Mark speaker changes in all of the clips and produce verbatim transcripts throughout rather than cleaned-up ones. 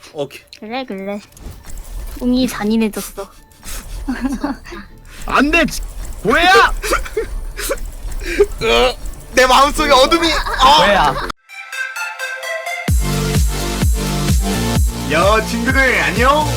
Speaker 1: 오케이.
Speaker 2: 그래 그래. 웅이 잔인해졌어.
Speaker 3: 안돼 고해야.
Speaker 1: 내 마음속에 어둠이. 어.
Speaker 3: 고해야.
Speaker 1: 야 친구들 안녕.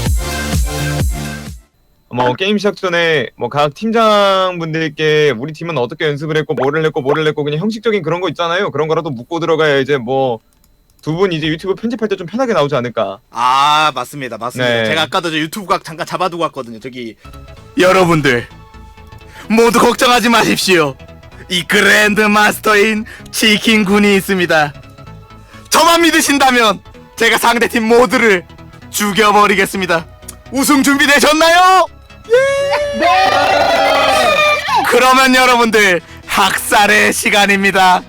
Speaker 4: 뭐 게임 시작 전에 뭐 각 팀장분들께 우리 팀은 어떻게 연습을 했고 뭐를 했고 뭐를 했고 그냥 형식적인 그런 거 있잖아요. 그런 거라도 묻고 들어가야 이제 뭐 두 분 이제 유튜브 편집할 때 좀 편하게 나오지 않을까.
Speaker 1: 아 맞습니다 맞습니다.
Speaker 4: 네.
Speaker 1: 제가 아까도 저 유튜브 각 잠깐 잡아두고 왔거든요. 저기 여러분들 모두 걱정하지 마십시오. 이 그랜드 마스터인 치킨 군이 있습니다. 저만 믿으신다면 제가 상대팀 모두를 죽여버리겠습니다. 우승 준비되셨나요? 예! 네! 그러면 여러분들 학살의 시간입니다.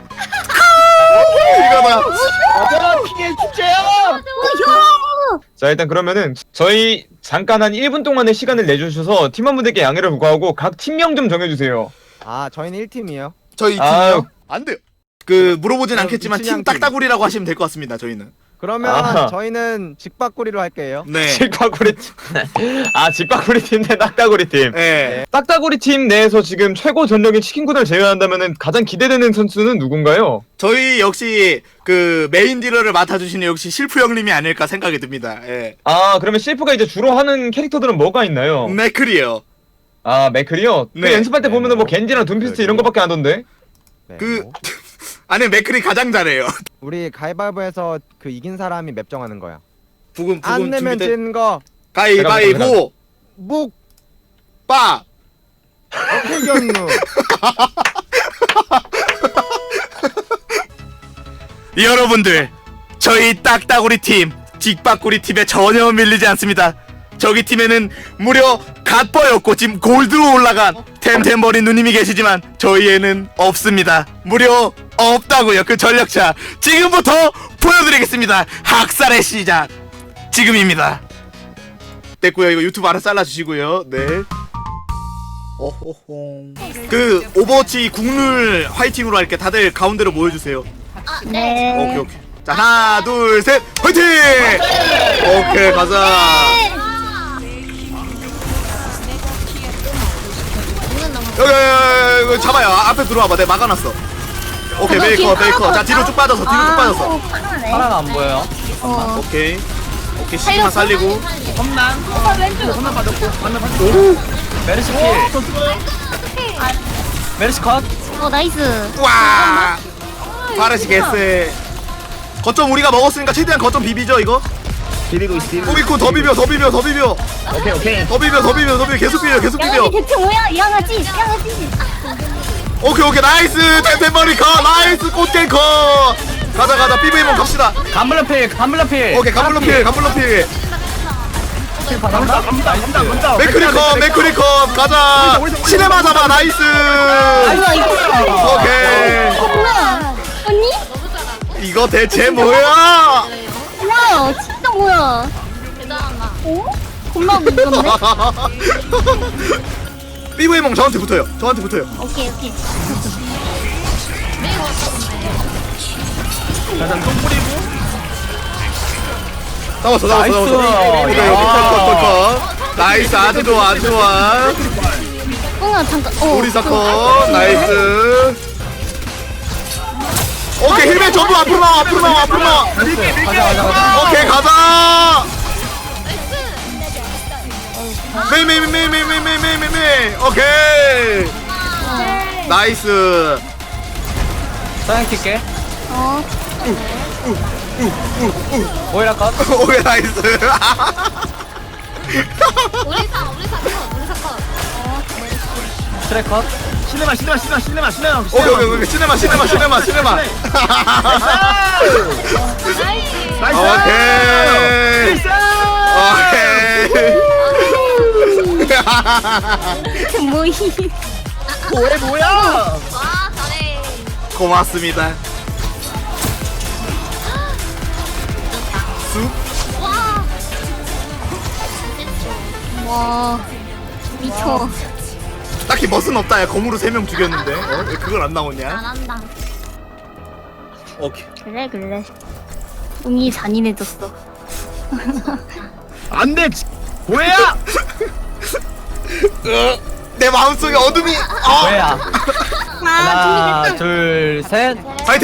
Speaker 1: 이거다.
Speaker 3: 어쩌나 피해 축제야.
Speaker 4: 자 일단 그러면은 저희 잠깐 한 일 분 동안의 시간을 내주셔서 팀원분들께 양해를 구하고 각 팀명 좀 정해주세요.
Speaker 5: 아 저희는 일 팀이요.
Speaker 1: 저희
Speaker 4: 아유.
Speaker 1: 팀이요? 안 돼요. 그 물어보진
Speaker 5: 그럼
Speaker 1: 않겠지만 팀
Speaker 5: 미친양 팀.
Speaker 1: 딱따구리라고 하시면 될 것 같습니다. 저희는.
Speaker 5: 그러면
Speaker 4: 아하.
Speaker 5: 저희는 직박구리로 할게요.
Speaker 1: 네.
Speaker 4: 직박구리 팀. 아 직박구리 팀 대 딱따구리 팀.
Speaker 1: 네.
Speaker 4: 딱따구리 팀 내에서 지금 최고 전력인 치킨군을 제외한다면은 가장 기대되는 선수는 누군가요?
Speaker 1: 저희 역시 그 메인 딜러를 맡아주시는 역시 실프 형님이 아닐까 생각이 듭니다. 예.
Speaker 4: 아 그러면 실프가 이제 주로 하는 캐릭터들은 뭐가 있나요?
Speaker 1: 맥클이요.
Speaker 4: 아 맥클이요? 그
Speaker 1: 네.
Speaker 4: 연습할 때
Speaker 5: 네,
Speaker 4: 보면은 뭐
Speaker 5: 뭐.
Speaker 4: 겐지랑 둠피스트
Speaker 5: 네,
Speaker 4: 이런
Speaker 5: 뭐.
Speaker 4: 거밖에 안 하던데.
Speaker 5: 네,
Speaker 1: 그
Speaker 5: 뭐.
Speaker 1: 아니 맥클이 가장 잘해요.
Speaker 5: 우리 가위바위보에서 그 이긴 사람이 맵 정하는 거야.
Speaker 1: 부금
Speaker 5: 안
Speaker 1: 부금
Speaker 5: 내면
Speaker 1: 준비돼.
Speaker 5: 진 거
Speaker 1: 가위바위보
Speaker 5: 묵
Speaker 1: 빠.
Speaker 5: 회견루.
Speaker 1: 여러분들 저희 딱따구리 팀 직박구리 팀에 전혀 밀리지 않습니다. 저기 팀에는 무려 갓버였고 지금 골드로 올라간 템템버린 누님이 계시지만 저희에는 없습니다. 무려 없다고요. 그 전력차 지금부터 보여드리겠습니다. 학살의 시작 지금입니다. 됐고요. 이거 유튜브 알아서 잘라주시고요. 네. 어호홍. 그 오버워치 국룰 화이팅으로 할게. 다들 가운데로 모여주세요.
Speaker 2: 네.
Speaker 1: 오케이 오케이. 자 하나 둘 셋 화이팅! 오케이 가자. 여기 여기 여기 잡아요. 앞에 들어와봐. 내가 막아놨어. 오케이 메이커 메이커. 자 뒤로 쭉 빠져서 뒤로 쭉 빠져서.
Speaker 3: 하나가 안 보여요.
Speaker 2: 어.
Speaker 1: 오케이 오케이 시기만 살리고.
Speaker 3: 험난.
Speaker 2: 오빠 왼쪽.
Speaker 3: 하나 받았고 하나 받았고.
Speaker 1: 오.
Speaker 3: 메르시 킬. 메르시 컷.
Speaker 2: 어 나이스.
Speaker 1: 와. 파르시 개쎄. 거점 우리가 먹었으니까 최대한 거점 비비죠 이거.
Speaker 3: 비비고 있어. 비비고
Speaker 1: 오비쿠 더 비벼 더 비벼 더 비벼
Speaker 3: 오케이 오케이.
Speaker 1: 더 비벼 더 비벼 더 비벼 계속 비벼 계속 비벼.
Speaker 2: 양아지 대체 뭐야? 양아지 양아지.
Speaker 1: 오케이 오케이 나이스 템템버리 컷 나이스 꽃게컷. 가자 가자 피브이몬 갑시다.
Speaker 3: 간블러 필. 간블러 필.
Speaker 1: 오케이 간블러필 간블러필.
Speaker 3: 간다 간다 간다 간다.
Speaker 1: 맥크리컷 맥크리컷 가자. 시네마 잡아 나이스.
Speaker 2: 뭐야 이거?
Speaker 1: 오케이
Speaker 2: 어, 뭐야? 언니?
Speaker 1: 이거 대체 뭐야.
Speaker 2: 뭐야? 진짜 뭐야? 대단하다. 어? 겁나 무섭네.
Speaker 1: 피브이몬 저한테 붙어요 저한테 붙어요.
Speaker 2: 오케이 오케이.
Speaker 3: 가장 똥 뿌리고.
Speaker 1: 잡았어 잡았어
Speaker 3: 나이스.
Speaker 1: 잡았어. 오케이
Speaker 3: 야.
Speaker 1: 오케이 컷컷컷 나이스 아주 좋아 아주 좋아.
Speaker 2: 뽕아 잠깐. 어.
Speaker 1: 오리사 컷 나이스. 오케이 힐맨 전부 앞으로 나와 앞으로 나와 앞으로 나와.
Speaker 3: 가자 가자 가자.
Speaker 1: 오케이 가자. 메이 메이 메이 메이 메이 메이 메이 메이 메이. 오케이 나이스.
Speaker 3: 사양 킬게.
Speaker 2: 어.
Speaker 3: 오이라 컷.
Speaker 1: 오케이 나이스.
Speaker 6: 우리사 우리사 컷 우리사 컷.
Speaker 3: 트랙 컷. 시네마 시네마 시네마 시네마 시네마.
Speaker 1: 오케이 오케이 오케이 시네마 시네마 시네마 시네마.
Speaker 3: 나이스.
Speaker 1: 오케이 오케이.
Speaker 2: 대체 뭐이?
Speaker 3: 뭐해 뭐야?
Speaker 6: 와 잘해.
Speaker 1: 고맙습니다. 쑥.
Speaker 6: 와.
Speaker 2: 와. 미쳐.
Speaker 1: 딱히 멋은 없다. 야 검으로 세 명 죽였는데. 어? 왜 그걸 안 나오냐?
Speaker 6: 잘한다.
Speaker 1: 오케이.
Speaker 2: 그래 그래. 웅이 잔인해졌어.
Speaker 3: 안돼 뭐야?
Speaker 1: 으, 내 마음속에 어둠이. 어.
Speaker 3: 뭐야?
Speaker 2: 아
Speaker 3: 하나
Speaker 2: 준비됐다.
Speaker 3: 둘셋
Speaker 1: 파이팅!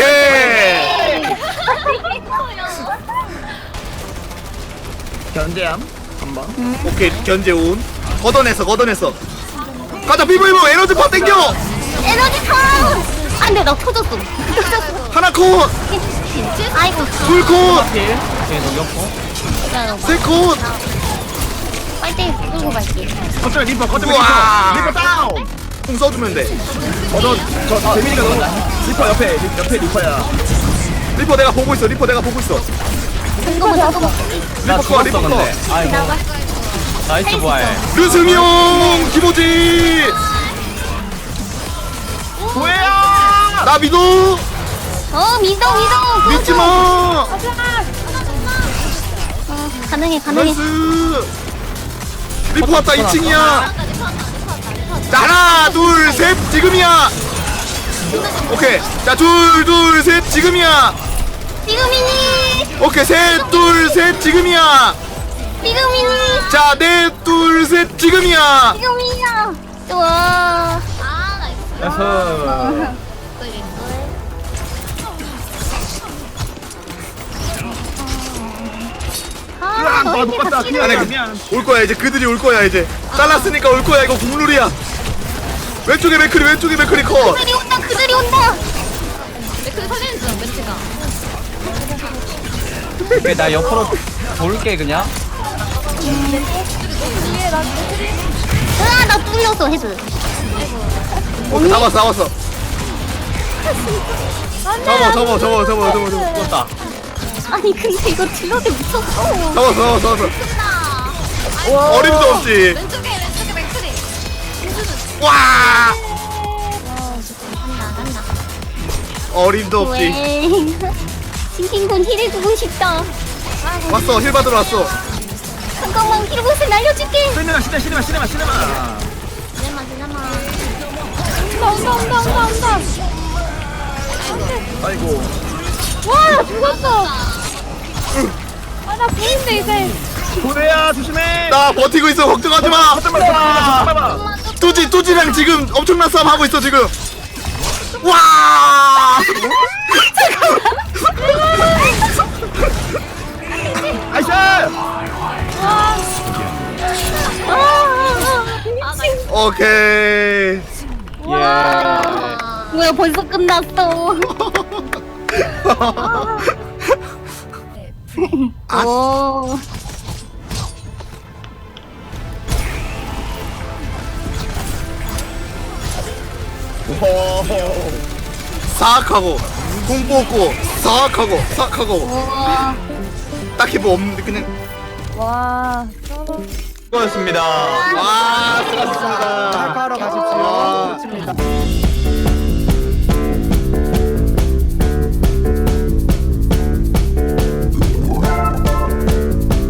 Speaker 3: 견제함 한번.
Speaker 1: 오케이 견제온. 걷어냈어 걷어냈어. 가자 비브이브 에너지 파 땡겨.
Speaker 2: 에너지 파. 안돼 나 터졌어. 터졌어.
Speaker 1: 하나 컷.
Speaker 2: 아이고.
Speaker 1: 둘 컷.
Speaker 3: 필. 오케이 녹였고.
Speaker 2: 기다려봐.
Speaker 1: 세 컷.
Speaker 2: 빨대 끌고 갈게.
Speaker 3: 거점 리퍼 거점
Speaker 1: 우와.
Speaker 3: 리퍼 리퍼 다운.
Speaker 1: 공 써주면 돼.
Speaker 3: 어너저 데미지가 너무 리퍼 옆에 리- 옆에 리퍼야.
Speaker 1: 리퍼 내가 보고 있어. 리퍼 내가 보고 있어.
Speaker 2: 잠깐만 잠깐만.
Speaker 3: 나
Speaker 1: 리퍼 컷 리퍼
Speaker 3: 죽었어
Speaker 1: 컷.
Speaker 3: 근데. 아이고
Speaker 2: 나가.
Speaker 3: 나이스 부활.
Speaker 1: 류승이 형 기모지.
Speaker 3: 뭐야?
Speaker 1: 나 믿어.
Speaker 2: 어 믿어 믿어.
Speaker 1: 믿지 마.
Speaker 2: 어, 가능해 가능해.
Speaker 1: 나이스. 리퍼 왔다 이 층이야. 자 하나 둘 셋 지금이야. 오케이 자 둘 둘 셋 지금이야.
Speaker 2: 지금이니.
Speaker 1: 오케이 셋 둘 셋 지금이야.
Speaker 2: 지금이니.
Speaker 1: 자 넷 둘 셋 지금이야.
Speaker 2: 지금이야. 좋아.
Speaker 6: 아 나이스.
Speaker 3: 나이스.
Speaker 2: 아,
Speaker 3: 아, 못 갔다.
Speaker 2: 같이
Speaker 1: 아니,
Speaker 3: 미안 미안.
Speaker 1: 올 거야 이제 그들이 올 거야 이제. 잘랐으니까 올 거야 이거 국룰이야. 왼쪽에 맥크리 왼쪽에 맥크리 컷.
Speaker 2: 그들이 온다 그들이 온다.
Speaker 6: 맥크리 살리는 중 멘트가.
Speaker 3: 그래 나 옆으로 돌게 그냥.
Speaker 2: 으아 나 뚫렸어 해줄.
Speaker 1: 오케이 잡았어 잡았어. 잡아 잡아 잡아 잡아 잡아 잡아.
Speaker 3: 죽었다.
Speaker 2: 아니 근데 이거 딜러들 미쳤어.
Speaker 1: 잡았어 잡았어 잡았어.
Speaker 6: 나.
Speaker 1: 어림도 없지.
Speaker 6: 왼쪽에 왼쪽에 맥크리.
Speaker 1: 와
Speaker 2: 간다 간다.
Speaker 1: 어림도 없지.
Speaker 2: 왜? 싱킹군 힐을 주고 싶다.
Speaker 1: 왔어 힐 받으러 왔어.
Speaker 2: 잠깐만 힐봇을 날려줄게.
Speaker 3: 시네마 시네 시네마 시네마 시네마.
Speaker 6: 지나마 지나마.
Speaker 2: 온다 온다 온다 온다.
Speaker 3: 아이고.
Speaker 2: 와 죽었어. 아나 보인데 이제.
Speaker 3: 고래야 조심해.
Speaker 1: 나 버티고 있어 걱정하지 마.
Speaker 3: 잠깐만 잠깐만.
Speaker 1: 뚜지 뚜지랑 지금 엄청난 싸움 하고 있어 지금. 와.
Speaker 3: 아이스.
Speaker 2: 미친.
Speaker 1: 오케이.
Speaker 3: 예.
Speaker 2: 뭐야 벌써 끝났어. 오.
Speaker 1: 싹 하고 공 뽑고 싹 하고 싹 하고
Speaker 2: 와.
Speaker 1: 딱히 뭐 없는데 그냥.
Speaker 2: 와.
Speaker 4: 수고하셨습니다.
Speaker 1: 와 수고하셨습니다.
Speaker 5: 사과하러 가십시오.
Speaker 1: 와.
Speaker 5: 끝입니다.